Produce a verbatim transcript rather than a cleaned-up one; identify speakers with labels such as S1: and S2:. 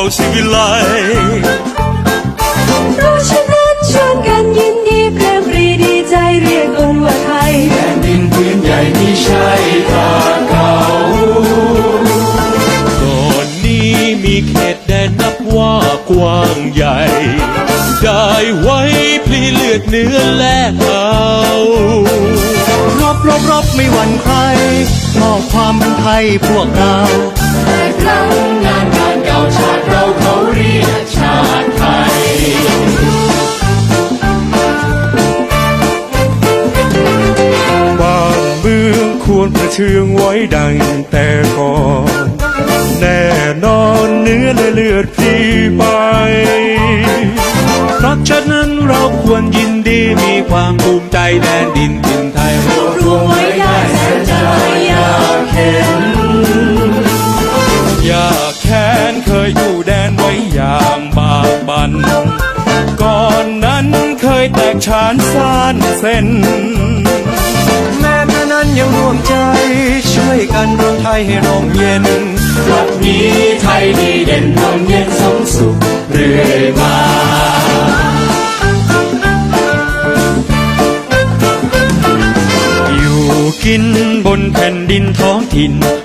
S1: สิวิไล
S2: เพราะฉะนั้นชวนกันยินดีเพลงปรีดีใจเรียกคนว่าไทย
S1: แผ่นดินพื้นใหญ่ที่ใช่ตาเก่าก่อนนี้มีเขตแดนนับว่ากว้างใหญ่ได้ไว้พลีเลือดเนื้อแลกเอา
S3: รบรบรบไม่หวั่นใครมอบความเป็นไทยพวกเรา
S2: แต่ครั้ง
S1: งานงานเก่าชาติเราเขาเรียกชาติไทยบ้านเมืองควรประเทืองไว้ดังแต่ก่อนแน่นอนเนื้อและเลือดพี่ไปเพราะฉะนั้นเราควรยินดีมีความภูมิใจแดนดินถิ่นไทยรวบรวมไว้ได้แสนจะอยากเห็นอยากแค้นเคยอยู่แดนไว้อย่างบากบั่นก่อนนั้นเคยแตกฉานซ่านเส้น
S3: แม้แม้นั้นยังร่วมใจช่วยกันรวมไทยให้ร่มเย็น
S1: วันนี้ไทยดีเด่นร่มเย็นสมสุขเรื่อยมาอยู่กินบนแผ่นดินท้องถิ่น